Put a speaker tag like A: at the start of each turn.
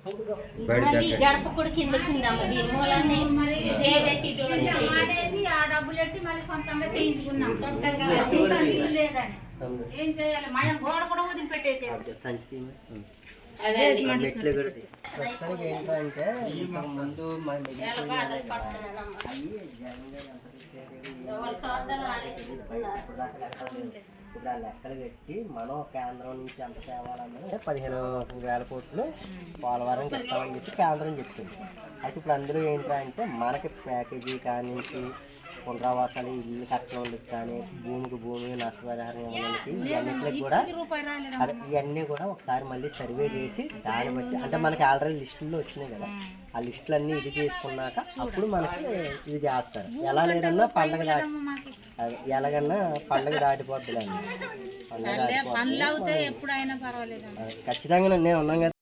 A: గడప కూడా కిందకుందమ్మ దీని మూలన్నీ
B: ఆ డబ్బులు పెట్టి మళ్ళీ సొంతంగా చేయించుకున్నాం. లేదని ఏం చేయాలి? మా గోడ కూడా వదిలిపెట్టేసి
C: మెట్లు ప్రస్తుతానికి ఏంటంటే ముందు ఇప్పుడు ఆ లెక్కలు పెట్టి మనం కేంద్రం నుంచి ఎంత తేవాలన్నది 15,000 కోట్లు పోలవరంకి ఇస్తామని చెప్పి కేంద్రం చెప్తుంది. అయితే ఇప్పుడు అందులో ఏంటంటే మనకి ప్యాకేజీ కానించి పునరావాసాలు ఇల్లు కట్టడానికి కానీ భూమి నష్టపరిహారం ఇవ్వడానికి ఇవన్నిటికి కూడా అదే ఇవన్నీ కూడా ఒకసారి మళ్ళీ సర్వే చేసి దాన్ని బట్టి అంటే మనకి ఆల్రెడీ లిస్టుల్లో వచ్చినాయి కదా, ఆ లిస్టులన్నీ ఇది చేసుకున్నాక అప్పుడు మనకి ఇది చేస్తారు. ఎలా లేదన్నా పండగ ఎలాగన్నా పండగ దాటిపోద్దులేండి. పండగ దాటిపోద్ది ఖచ్చితంగా నేను ఉన్నాం కదా.